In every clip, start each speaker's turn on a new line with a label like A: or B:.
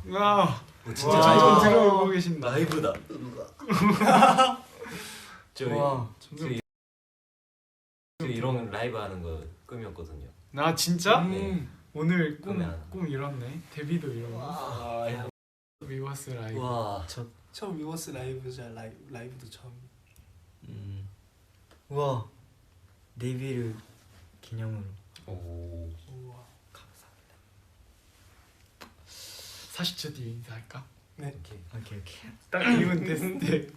A: 와.
B: 진짜
A: 라이브 들어오고 계신다.
B: 라이브다. 저 이런 라이브 하는 거 꿈이었거든요.
A: 나 진짜?
B: 네.
A: 오늘 꿈 이뤘네. 데뷔도 이뤘네.
B: 와.
A: 위버스 라이브.
B: 와.
C: 처음 위버스 라이브자 라이브도 처음.
D: 우와 데뷔를 기념으로.
B: 오.
C: 우와.
A: 40초 뒤에 인사할까?
C: 네.
D: 오케이.
A: 딱 2분 됐을 때.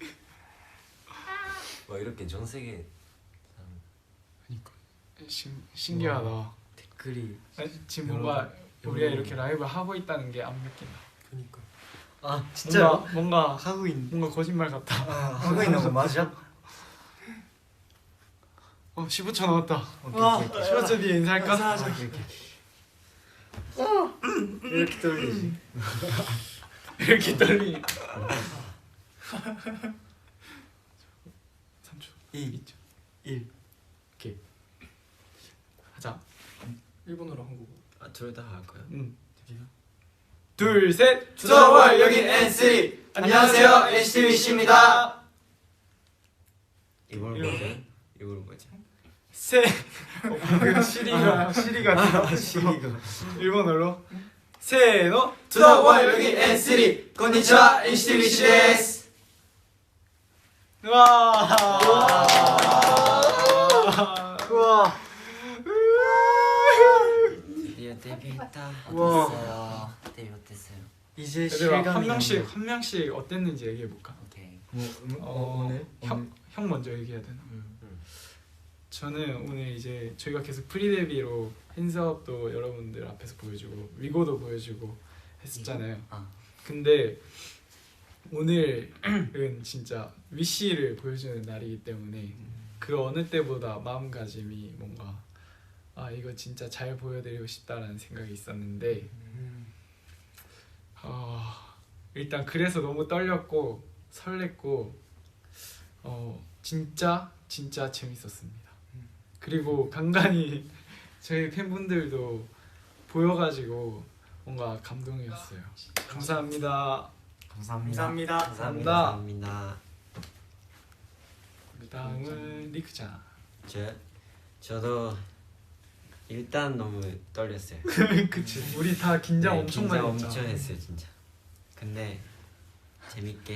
B: 와 이렇게 전 세계.
A: 그러니까 신기하다.
D: 댓글이
A: 지금 뭔가 우리가 이렇게 라이브 하고 있다는 게 안 믿긴다.
C: 그니까.
D: 아 진짜
A: 뭔가
D: 하고 있는
A: 뭔가 거짓말 같다.
D: 하고 있는 거 맞아?
A: 15초 남았다.
D: 오케이.
A: 15초 뒤에 인사할까?
D: 오케이. 이렇게 떨리지.
A: 이렇게 떨리. 3초. 2초. 1. 오케이. 하자.
C: 일본어로 한국어.
B: 둘 다 할까요?
A: 응. 둘, 셋.
E: 투더월 여기 NC. 안녕하세요 HTBC입니다.
B: 이걸 뭐지? 이걸 뭐지?
A: 셋. 시리가 일본어로. 세노.
E: 투더월 여기 NC. 건니치와 HTBC 데스.
D: 우와.
B: 드디어 데뷔했다.
D: 우와.
B: 어땠어요? 데뷔 어땠어요?
D: 이제
A: 얘들아
D: 실감이
A: 한 명씩 어땠는지 얘기해 볼까?
B: 오케이.
D: 오늘
A: 형 먼저 얘기해야 되나? 저는 오늘 이제 저희가 계속 프리 데뷔로 팬사업도 여러분들 앞에서 보여주고 위고도 보여주고 했었잖아요. 근데 오늘은 진짜 위시를 보여주는 날이기 때문에 그 어느 때보다 마음가짐이 뭔가 이거 진짜 잘 보여드리고 싶다라는 생각이 있었는데 일단 그래서 너무 떨렸고 설렜고 진짜 재밌었습니다. 그리고 간간히 저희 팬분들도 보여가지고 뭔가 감동이었어요. 감사합니다.
D: 감사합니다.
A: 그 다음은 리크짱.
B: 저도 일단 너무 떨렸어요.
A: 그치. 우리 다 긴장
B: 네,
A: 엄청
B: 긴장
A: 많이 했죠.
B: 엄청 했어요 진짜. 근데 재밌게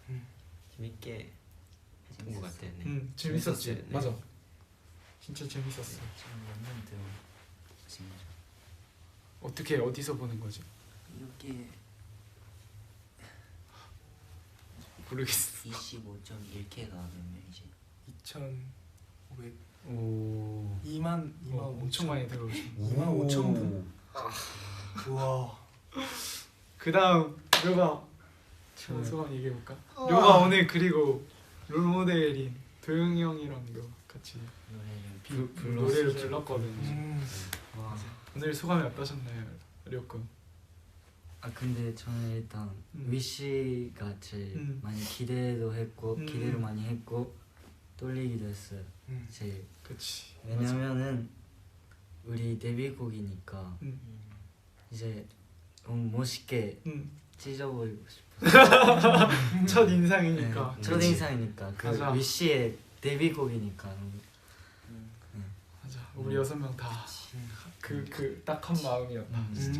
B: 했던 것 같아요. 네.
A: 재밌었지.
B: 재밌었어요. 네.
A: 맞아. 진짜 재밌었어. 어떻게 어디서 보는 거지?
F: 이렇게
A: 모르겠어.
F: 25.1K가 몇 명이지?
C: 2,500.
A: 오.
C: 2만
A: 엄청 많이 들어오시네.
C: 2만 5천 분. 우와.
A: 그 다음 료가 소감 얘기해 볼까? 료가 오늘 그리고 롤모델인 도영이 형이랑도 같이 노래를 불렀거든요. 오늘 소감이 어떠셨나요, 료군?
D: 근데 저는 일단 위시가 제일 많이 기대도 했고 기대를 많이 했고 떨리기도 했어요. 제일.
A: 그치.
D: 왜냐면은 우리 데뷔곡이니까 이제 너무 멋있게 찢어버리고 싶어.
A: 첫 인상이니까.
D: 네, 첫 인상이니까 그
A: 맞아.
D: 위시의 데뷔곡이니까.
A: 맞아. 우리 6명 다 그 딱 한 마음이었다. 진짜.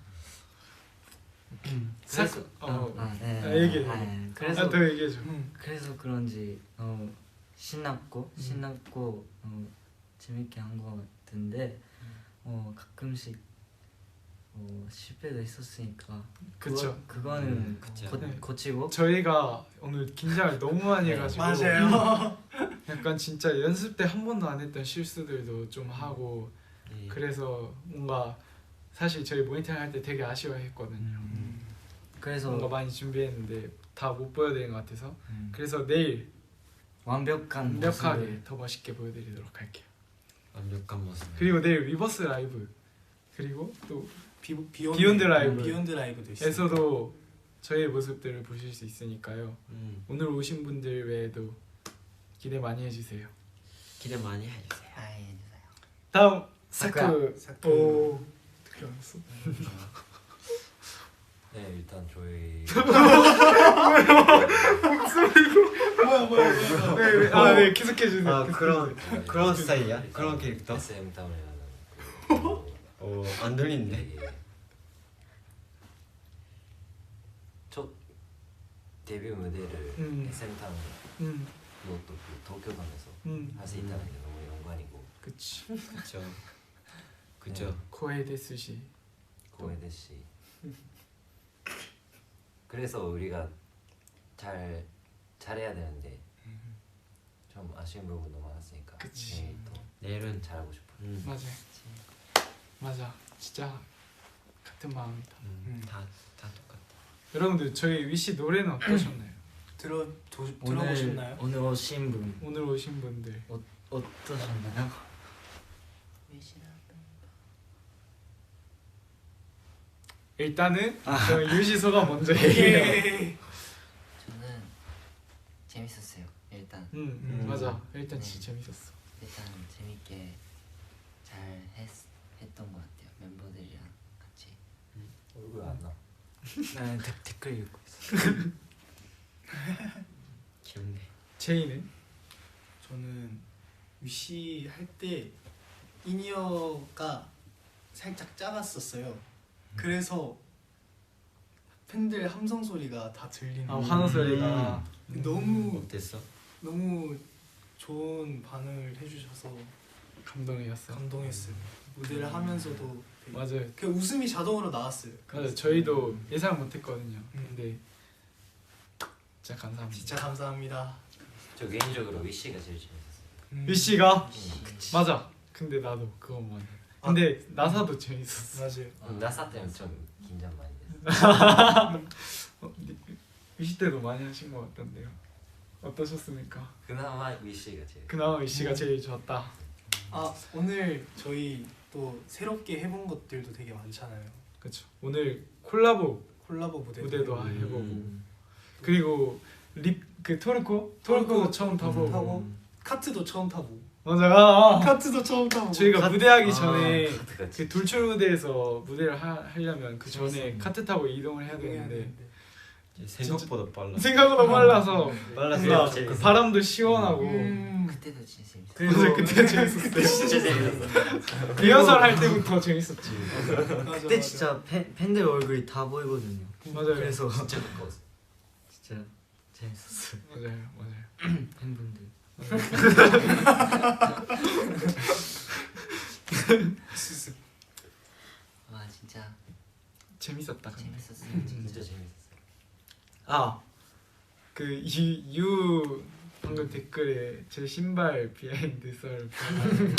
D: 그래서
A: 얘기해.
D: 그래서
A: 더 얘기해줘.
D: 그래서 그런지 너무 신났고 너무 재밌게 한 것 같은데 가끔씩 실패도 했었으니까
A: 그쵸.
D: 그거는 고치고
A: 저희가 오늘 긴장을 너무 많이 해가지고
C: 맞아요.
A: 약간 진짜 연습 때 한 번도 안 했던 실수들도 좀 하고 그래서 뭔가 사실 저희 모니터링 할 때 되게 아쉬워했거든요.
D: 그래서
A: 뭔가 많이 준비했는데 다 못 보여드린 것 같아서 그래서 내일
D: 완벽하게
A: 더 멋있게 보여드리도록 할게요.
B: 완벽한 모습.
A: 그리고 내일 리버스 라이브 그리고 또
C: 비욘드 라이브도 있어요.
A: 에서도 저희의 모습들을 보실 수 있으니까요. 오늘 오신 분들 외에도 기대 많이 해주세요.
B: 기대 많이 해주세요.
A: 다음
D: 사쿠야.
A: 사쿠. 오 어떻게 알았어?
B: 네 일단 저희
A: 네 계속해 주세요.
E: 아 그런 스타일이야?
B: 일단
E: 그런 캐릭터?
B: SM 다운이라는
E: 안 들리는데.
B: 첫 데뷔 무대를 SM 다운 그것도 그 도쿄관에서 할 수 있다는 게 너무 영광이고
A: 그치.
E: 그쵸.
A: 코에데 스시.
B: 고에데 씨. 그래서 우리가 잘해야 되는데 좀 아쉬운 부분도 많았으니까
A: 그치.
B: 내일 또
E: 내일은
B: 잘하고 싶어.
A: 맞아. 맞아. 진짜 같은 마음이다.
E: 다 똑같아.
A: 여러분들 저희 위시 노래는 어떠셨나요?
C: 들어보셨나요?
D: 오늘 오신 분
A: 오늘 오신 분들
D: 어떠셨나요?
A: 일단은 저희 유시 소감 먼저 얘기해요.
F: 저는 재밌었어요. 일단
A: 맞아. 일단
F: 네.
A: 진짜 재밌었어.
F: 일단 재밌게 잘 했던 것 같아요. 멤버들이랑 같이.
B: 얼굴 안 나.
D: 나는 댓글 읽고 있어.
E: 귀엽네.
A: 제이는?
C: 저는 위시 할 때 인이어가 살짝 작았었어요. 그래서 팬들 함성 소리가 다 들리는.
A: 환호 소리가
C: 너무
E: 어땠어?
C: 너무 좋은 반응을 해주셔서
A: 감동이었어.
C: 감동했어요. 무대를 하면서도 되게
A: 맞아요.
C: 그 웃음이 자동으로 나왔어요.
A: 맞아요. 저희도 예상 못했거든요. 근데 진짜 감사합니다.
C: 진짜 감사합니다.
B: 저 개인적으로 위시가 제일 재밌었어요.
A: 위시가 맞아. 근데 나도 그것만. 근데 나사도 재밌었어.
C: 맞아요.
B: 나사 때는 좀 긴장 많이 됐어요.
A: 위시 때도 많이 하신 것 같던데요. 어떠셨습니까?
B: 그나마 위시가 제일.
A: 그나마 위시가 제일 좋았다.
C: 아 오늘 저희 또 새롭게 해본 것들도 되게 많잖아요.
A: 그렇죠. 오늘 콜라보
C: 콜라보 무대도
A: 해보고 그리고 그 토르코 처음 타보고
C: 카트도 처음 타고
A: 맞아.
C: 카트도 처음 타고
A: 저희가 무대하기 전에
B: 카트같이.
A: 그 돌출 무대에서 무대를 하려면 그 전에 카트 타고 이동을 해야 되는데
E: 생각보다 빨라.
A: 생각보다 빨라서
E: 빨라서
A: 그 바람도 시원하고
F: 그때도 진짜 재밌었어요.
A: 그래서 그때 재밌었어요.
B: 진짜 재밌었어.
A: 리허설 할 때부터 재밌었지.
D: 그때 진짜 팬들 얼굴이 다 보이거든요.
A: 맞아요.
D: 그래서
B: 진짜 가까웠어.
D: 진짜 재밌었어요.
A: 맞아요.
D: 팬분들.
F: 와 진짜
A: 재밌었다. 근데.
F: 재밌었어요.
B: 진짜 재밌었어.
A: 그 유 방금 댓글에 제 신발 비하인드 썰 하시는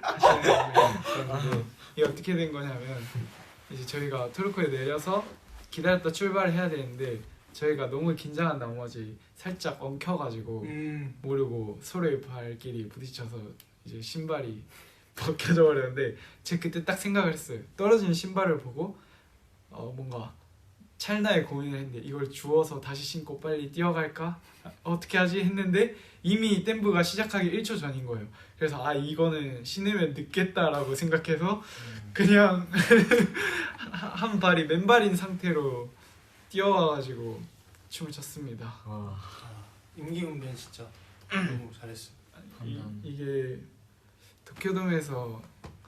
A: 분이 이게 어떻게 된 거냐면 이제 저희가 토르코에 내려서 기다렸다 출발을 해야 되는데 저희가 너무 긴장한 나머지 살짝 엉켜가지고 모르고 서로의 발길이 부딪혀서 이제 신발이 벗겨져 버렸는데 제가 그때 딱 생각을 했어요. 떨어진 신발을 보고 뭔가 찰나에 고민을 했는데 이걸 주워서 다시 신고 빨리 뛰어갈까? 어떻게 하지? 했는데 이미 댐브가 시작하기 1초 전인 거예요. 그래서 이거는 신으면 늦겠다라고 생각해서 그냥 한 발이 맨발인 상태로 뛰어와가지고 춤을 췄습니다.
C: 임기응변 진짜 너무 잘했어요.
A: 이게 도쿄돔에서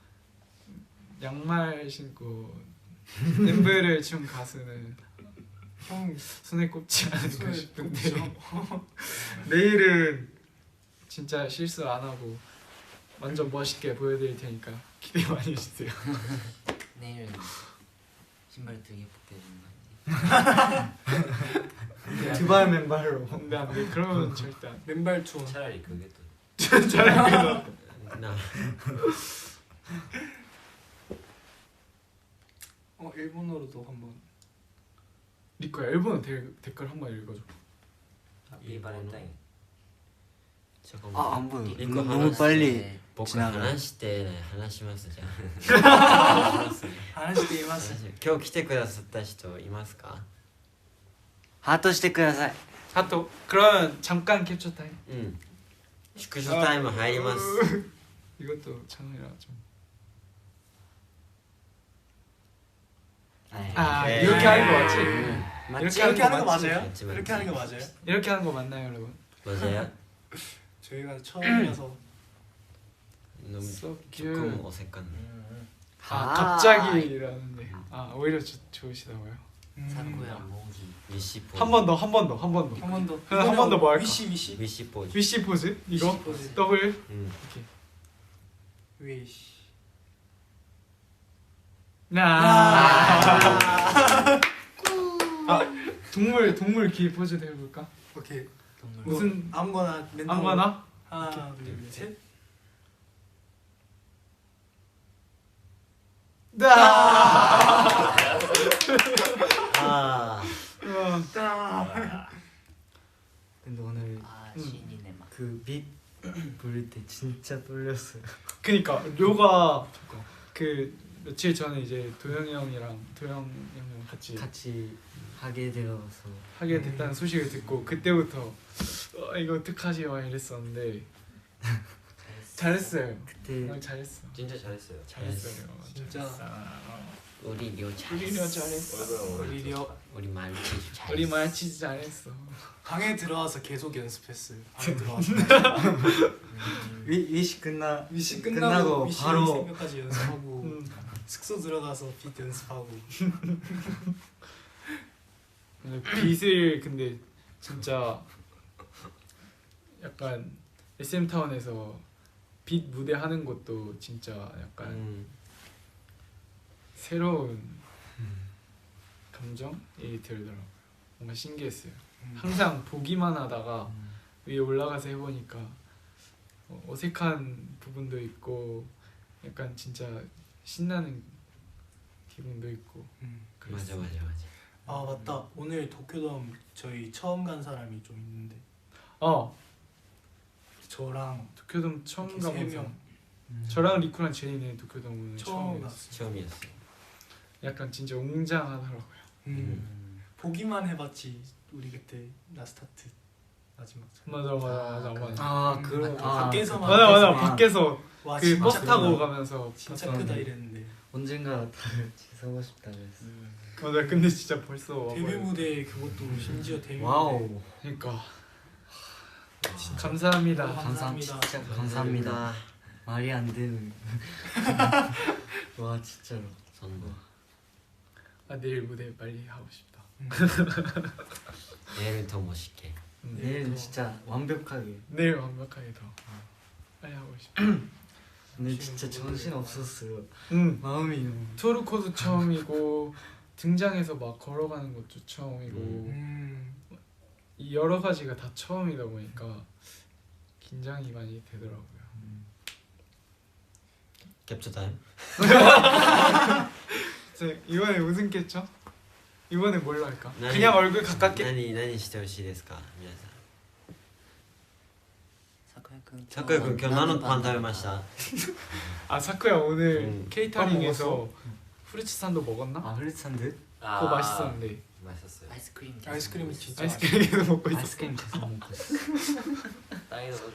A: 양말 신고 댐브를 춘 가수는 형 손에 꼽지 않을까 싶은데 내일은 진짜 실수 안 하고 완전 멋있게 보여드릴 테니까 기대 많이 해주세요.
F: 내일은 신발 되게 벗겨지는 거
A: 두발 맨발로. 안돼 그러면 절대 안.
C: 맨발 투어.
B: 차라리 그게 또.
A: 잘하겠다.
E: 나
C: 일본어로도 한번.
A: 리코야 일본어 댓글 한번 읽어줘.
B: 이바렌타인.
E: 잠깐만.
D: 안 보여.
E: 이거
D: 너무 빨리
F: 네.
E: 僕
D: 지나가.
E: 話して話しますじゃん
C: 話しています。
E: 今日来てくださった人いますか
D: 하트 してください.
A: 하토. 그럼 잠깐 캡처 타임.
E: うん縮小タイム入ります
A: 이것도 찬우이랑 좀. 아
D: 네.
A: 이렇게 하는 거 맞지?
C: 이렇게 하는 거
A: 맞지?
C: 맞아요?
B: 맞지,
C: 이렇게 하는 거 맞아요?
A: 이렇게 하는 거 맞나요, 여러분?
B: 맞아요?
C: 저희가 처음이라서
B: 너무
A: So
B: 조금
A: cute.
B: 어색한.
A: 아 갑자기라는데. 아 오히려 좋으시다고요?
F: 사쿠야 모기.
B: 위시 포즈.
A: 한 번 더, 한 번 더, 한 번 더.
C: 한 번 더.
A: 한 번 더 뭐 할까?
C: 위시.
B: 위시 포즈.
A: 위시 포즈? 이거?
C: 위시 포즈.
A: 더블?
B: 음.
A: 오케이.
C: 위시.
A: 동물 귀 포즈도 해볼까?
C: 오케이.
F: 동물.
A: 무슨
C: 아무거나 멘트.
A: 아무거나?
C: 하나, 둘, 셋.
B: 아.
D: 근데 오늘
F: 신이네 막.
D: 그빛 부를 때 진짜 떨렸어요.
A: 그니까 료가 그 며칠 전에 이제 도영이 형이랑 같이
D: 하게 되어서
A: 하게 됐다는 소식을 듣고 그때부터 이거 어떡하지 막 이랬었는데 잘했어요.
D: 그때
A: 잘했어.
B: 진짜 잘했어요.
A: 잘했어요.
C: 진짜.
F: 우리 료
A: 우리 료 잘했어.
C: 우리
F: 말치즈 잘했어.
A: 우리 말치즈 잘했어.
C: 방에 들어와서 계속 연습했어요. 방에 들어와서.
D: 위시 끝나고
C: 위시
D: 바로
C: 생각까지 연습하고 숙소 들어가서 빗 연습하고.
A: 빛을 근데 진짜 약간 SM 타운에서 빛 무대 하는 것도 진짜 약간 새로운 감정이 들더라고요. 뭔가 신기했어요. 항상 보기만 하다가 위에 올라가서 해보니까 어색한 부분도 있고 약간 진짜 신나는 기분도 있고
B: 맞아.
C: 아 맞다. 오늘 도쿄돔 저희 처음 간 사람이 좀 있는데. 저랑
A: 도쿄돔 처음
C: 이렇게 세
A: 가면서
C: 명.
A: 저랑 리쿠랑 제니는 도쿄돔 오늘
C: 처음
A: 처음이었어요.
C: 갔어요.
B: 처음이었어.
A: 약간 진짜 웅장하더라고요.
C: 보기만 해봤지. 우리 그때 라스타트 마지막 차.
A: 맞아.
D: 그런
C: 밖에서만.
A: 맞아 밖에서
C: 와,
A: 그
C: 진짜
A: 버스 타고
C: 크다.
A: 가면서
C: 진짜
A: 봤었는데.
C: 크다 이랬는데.
D: 언젠가 다 같이 서고 싶다 그랬어.
A: 맞아 근데 진짜 벌써
C: 데뷔
A: 와버려.
C: 무대 그것도 심지어 데뷔 무대.
D: 와우.
A: 그러니까 감사합니다.
C: 감사합니다.
D: 진짜 감사합니다. 말이 안 되는. 와 진짜로.
A: 내일 무대 빨리 하고 싶다.
B: 내일은 더 멋있게.
D: 내일은 진짜 완벽하게.
A: 내일 완벽하게 더 빨리 하고 싶다.
D: 근데 진짜 정신 없었어요. 마음이 너무.
A: 토르코도 처음이고 등장해서 막 걸어가는 것도 처음이고 이 여러 가지가 다 처음이다 보니까 긴장이 많이 되더라고요.
B: 캡처 타임.
A: 이번에 무슨 겠죠? 이번에 뭘로 할까?
B: 나니-
A: 그냥 얼굴 가깝게?
B: 何してほしいですか皆さん。
F: 사쿠야 군
B: 今日何のパン食べました？
A: 아 사쿠야 오늘 케이터링에서
D: 먹었어?
A: 후르츠 산도 먹었나?
D: 흐릿 산드?
A: 그거 맛있었는데
B: 맛있었어요.
F: 아이스크림
C: 아이스크림이 진짜.
A: 아이스크림도 먹고 있었어.
D: 아이스크림 계속 먹고 있어.
B: 땅에 넣어줘.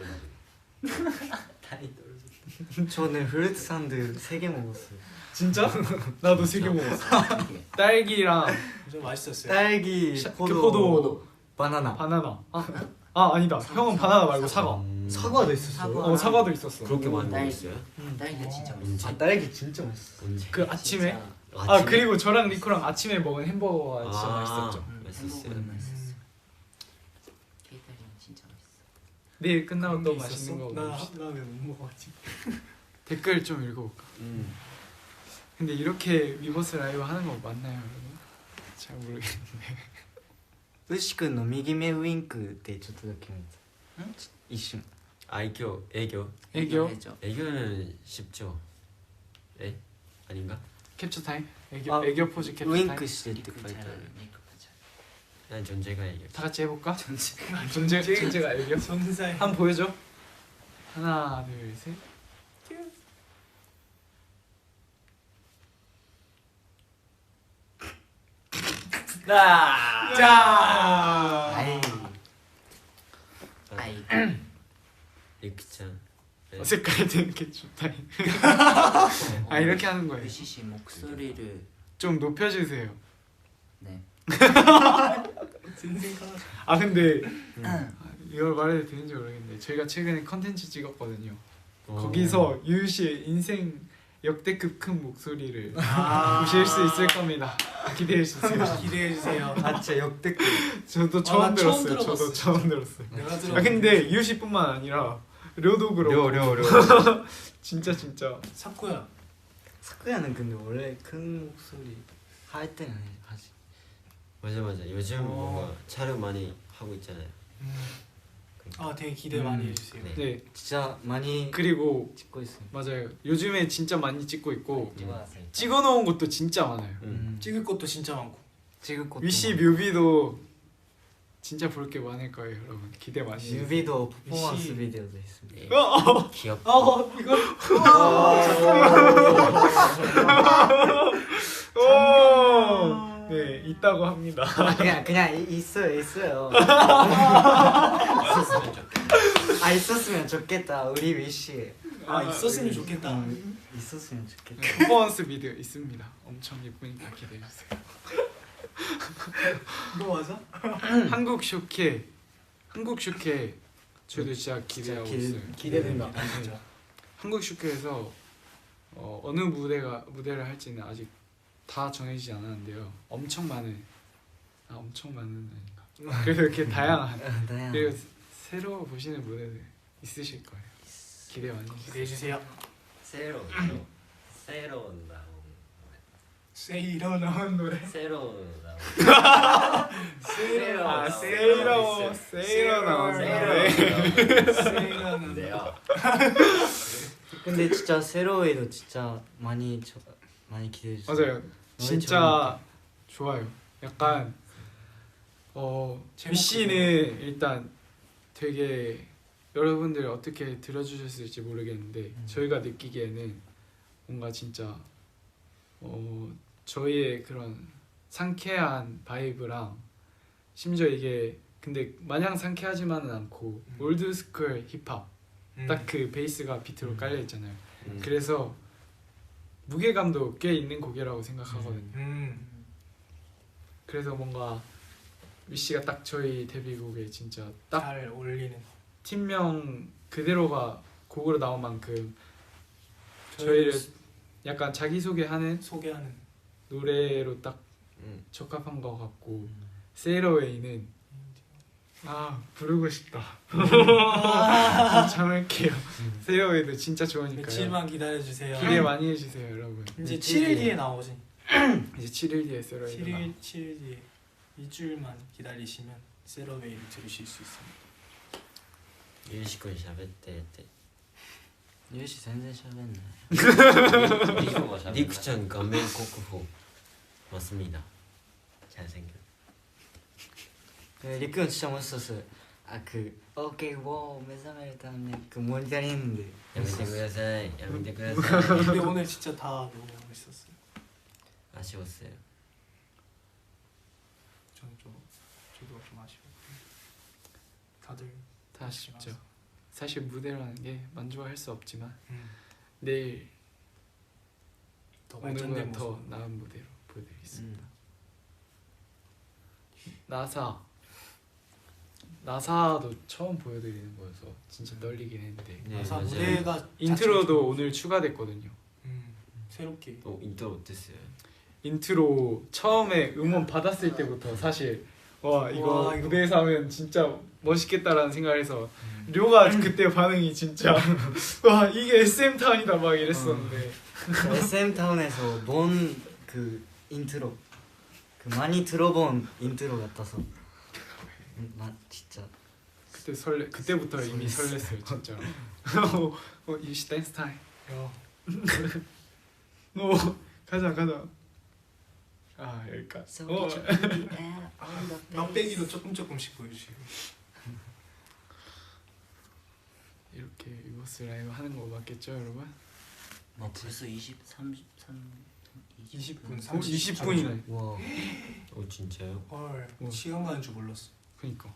D: 저는 흐릿 산드 3개 먹었어요.
A: 진짜? 나도 3개 먹었어. 딸기랑
C: 좀 맛있었어요.
D: 딸기,
A: 포도,
D: 바나나.
A: 바나나. 아니다. 형은 바나나 말고 사과.
D: 사과도 있었어요.
A: 사과도 있었어.
B: 그렇게 많이
F: 딸기.
B: 먹었어요?
F: 딸기가 진짜
B: 언제?
F: 맛있어.
D: 딸기 진짜 맛있어.
B: 언제?
A: 그 아침에?
F: 진짜
A: 그리고 저랑 리코랑 아침에 먹은 햄버거가 진짜 맛있었죠.
B: 맛있었어요.
F: 햄버거는 맛있었어. 케이터링 진짜 맛있어.
A: 내일 끝나고 또
C: 그런 게
A: 맛있는 거
C: 있었어?
A: 먹읍시다.
C: 나왜못 먹었지?
A: 댓글 좀 읽어볼까? 근데 이렇게 위버스 라이브 하는 거 맞나요, 여러분? 잘 모르겠는데.
D: ウシ君の右目ウインクってちょっとだけ見た一瞬
B: 애교.
A: 애교?
F: 해줘.
B: 애교는 쉽죠. 에? 아닌가?
A: 캡처 타임?
D: 아,
A: 애교 포즈 캡처
D: ウイン
A: 타임?
D: クしてって書
F: 메이크업
D: いてあ
F: 잘
D: る
F: 메이크업 잘.
B: 난 존재가 애교.
A: 다 같이 해볼까? 존재가 애교?
C: 전사에.
A: 한번 보여줘. 하나, 둘, 셋. 자.
D: 아이
F: 아이
B: 리크짱.
A: 어색할 때는 캡처 타임. 이렇게 하는 거예요.
F: 유시 씨 목소리를
A: 좀 높여주세요.
F: 네.
A: 아 근데 이걸 말해도 되는지 모르겠는데 저희가 최근에 컨텐츠 찍었거든요. 거기서 유유 씨의 인생 역대급 큰 목소리를 보실 수 있을 겁니다. 기대해 주세요.
C: 기대해 주세요.
D: 아 진짜 역대급.
A: 저도
C: 나
A: 처음
C: 처음
A: 들었어요. 저도
C: 들어봤어,
A: 처음 들었어요.
C: 내가 들어.
A: 아 근데 유유 씨뿐만 아니라 료도 그렇고
D: 려.
A: 진짜
C: 사쿠야.
D: 사쿠야는 근데 원래 큰 목소리 할 때는 하지.
B: 맞아. 요즘 뭔가 촬영 많이 하고 있잖아요.
C: 아 되게 기대 많이 해주세요.
B: 네.
A: 네
D: 진짜 많이
A: 그리고
D: 찍고 있어요.
A: 맞아요. 요즘에 진짜 많이 찍고 있고
B: 찍어놨으니까.
A: 찍어놓은 것도 진짜 많아요.
C: 찍을 것도 진짜 많고.
D: 찍을 것도
A: 위시 뮤비도 진짜 볼 게 많을 거예요, 여러분. 기대 많이 해주세요.
D: 뮤비도 퍼포먼스
C: 위시.
D: 비디오도 있습니다.
B: 네.
C: 이거
B: 귀엽다.
A: 오! 네 있다고 합니다.
D: 그냥 있어요.
B: 있었으면 좋겠다.
D: 아 있었으면 좋겠다. 우리 위시.
C: 있었으면 좋겠다.
D: 있었으면 좋겠다.
A: 퍼포먼스 비디오 있습니다. 엄청 예쁘니까 기대해 주세요.
C: 이거 맞아?
A: 한국 쇼케 저도 진짜 기대하고 있어요.
C: 기대된다.
A: 네.
C: 진짜.
A: 한국 쇼케에서 어느 무대를 할지는 아직 다 정해지지 않았는데요. 엄청 많은 아닌가. 그래서 이렇게 다양한 그리고 새로 보시는 무대들 있으실 거예요. 기대 많이 해주세요.
C: 기대해 주세요.
B: 새로운 나온
C: 세이로 나온 노래.
B: 새로운 나온
A: 세이로 나왔는데
C: 세이로는
D: 근데 진짜 세로에도 진짜 많이 기대해 주세요.
A: 맞아요. 진짜 좋아요. 약간 위씨는 일단 되게 여러분들 어떻게 들어주셨을지 모르겠는데 저희가 느끼기에는 뭔가 진짜 저희의 그런 상쾌한 바이브랑 심지어 이게 근데 마냥 상쾌하지만은 않고 올드스쿨 힙합 딱 그 베이스가 비트로 깔려 있잖아요. 그래서 무게감도 꽤 있는 곡이라고 생각하거든요. 그래서 뭔가 위씨가 딱 저희 데뷔곡에 진짜 딱
C: 잘 어울리는.
A: 팀명 그대로가 곡으로 나온 만큼 저희를 약간 자기소개하는
C: 소개하는.
A: 노래로 딱 적합한 것 같고 세이러웨이는 부르고 싶다. 참을게요. 세이러웨이도 진짜 좋으니까요.
C: 며칠만 기다려 주세요.
A: 기대 많이 해주세요, 여러분.
C: 이제 7일 뒤에 나오지.
A: 이제 7일 뒤에 세이러웨이가
C: 7일 뒤에 2주일만 기다리시면 세러웨이를 들으실 수 있습니다.
B: ユーシ君喋ってって
D: ユーシ全然喋んない。
B: リクちゃん顔面国宝マスミダ잘생겼
D: 리크는 진짜 멋있었어요. 그 오케이 워 매사메를 타는 그 모니터링 했는데
B: やめてください
C: 근데 오늘 진짜 다 너무 멋있었어요.
B: 아쉬웠어요.
C: 저도 좀 아쉬워. 다들
A: 다 아쉽죠. 사실 무대라는 게 만족할 수 없지만
C: 음.
A: 내일
C: 더 발전된
A: 오늘보다 더
C: 모습.
A: 나은 무대로 보여드리겠습니다. 나사도 처음 보여드리는 거여서 진짜 떨리긴 했는데
B: 네,
C: 나사
B: 맞아요.
C: 무대가
A: 인트로도 오늘 추가됐거든요.
C: 새롭게.
B: 인트로 어땠어요?
A: 인트로 처음에 음원 받았을 때부터 사실 와 이거 무대에서 하면 진짜 멋있겠다라는 생각을 해서 료가 그때 반응이 진짜 와 이게 SM타운이다 막 이랬었는데
D: SM타운에서 본 그 인트로 그 많이 들어본 인트로 같아서 진짜
A: 그때부터 이미 설렜어요 진짜로. 유시 댄스 타임. 가자 여기까지.
C: 막대기도 조금씩 보여주시고.
A: 이렇게 이버스 라이브 하는 거 맞겠죠 여러분?
F: 벌써 20분
A: 20분이네.
D: 와
B: 진짜요?
C: 헐 시간 가는 줄 몰랐어.
A: 그니까.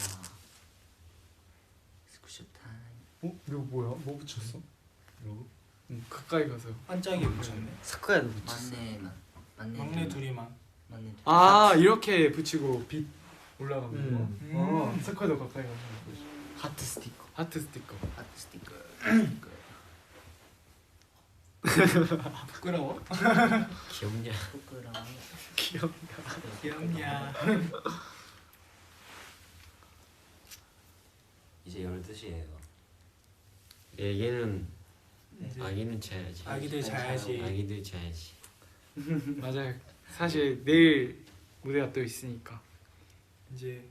F: 스쿠쇼 타임.
A: 이거 뭐야? 뭐 붙였어? 응 가까이 가서.
C: 반짝이 붙였네.
D: 사쿠야도 붙였어.
F: 맞네.
C: 막내 둘이만.
F: 막내 둘.
A: 아 이렇게 붙이고 빛 올라가는 거.
C: 음.
A: 스쿼드 가까이 가서
D: 하트 스티커.
A: 하트 스티커.
F: 하트 스티커.
C: 부끄러워?
B: 귀엽냐?
F: 부끄러워.
C: 귀엽냐?
B: 이제 12시예요.
E: 얘는
C: 이제
E: 아기는 자야지.
C: 아기들 자야지.
E: 아기들 자야지.
A: 맞아요. 사실 내일 무대가 또 있으니까.
C: 이제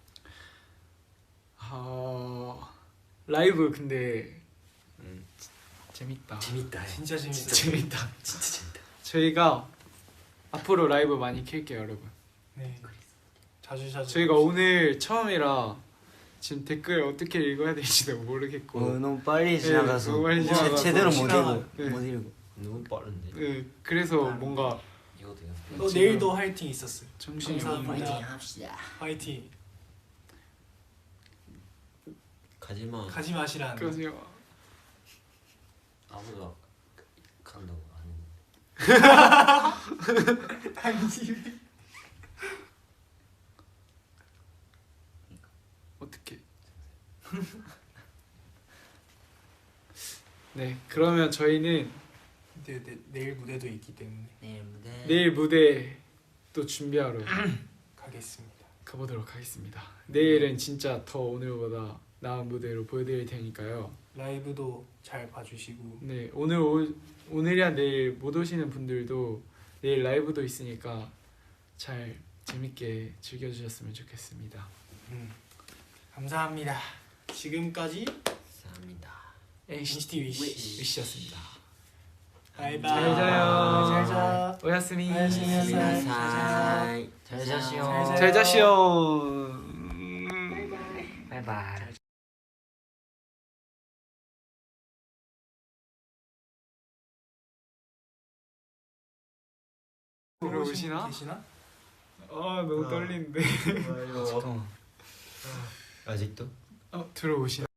A: 라이브 근데 재밌다.
B: 재밌다.
C: 진짜 재밌어.
A: 재밌다.
B: 진짜 재밌다.
A: 저희가 앞으로 라이브 많이 킬게요, 여러분.
C: 네. 자주
A: 저희가 오늘 처음이라 지금 댓글 어떻게 읽어야 될지도 모르겠고.
D: 너무 빨리 지나가서
A: 너무 빨리 지나가서
D: 제대로 못
C: 지나가-
D: 읽고
A: 네.
D: 못 읽고.
E: 너무 빠른데.
A: 그래서 뭔가
B: 이것도
C: 너 내일도 화이팅 있었어요.
A: 정신이
C: 감사합니다.
A: 없는.
F: 파이팅 합시다.
C: 화이팅.
E: 가지마.
C: 가지 마시라는.
A: 그러세요.
B: 아무도 간다고 안 했는데.
C: 당신.
A: 어떻게? 네, 그러면 저희는
C: 내일 무대도 있기 때문에
A: 내일 무대 또 준비하러
C: 가겠습니다.
A: 가보도록 하겠습니다. 내일은 진짜 더 오늘보다 나은 무대로 보여드릴 테니까요.
C: 라이브도 잘 봐주시고.
A: 네, 오늘이야 내일 못 오시는 분들도 내일 라이브도 있으니까 잘 재밌게 즐겨주셨으면 좋겠습니다.
C: 감사합니다. 지금까지
E: 감사합니다.
C: NCT 위시.
A: 위시였습니다.
C: 바이바이.
A: 잘 자요.
C: 잘 자.
A: 오야스미.
C: 오야스미.
F: 잘 자시오.
A: 잘 자시오.
F: 바이바이.
A: 들어오시나?
C: 계시나?
A: 너무 떨리는데.
D: 잠깐만.
E: 아직도?
A: 들어오시나?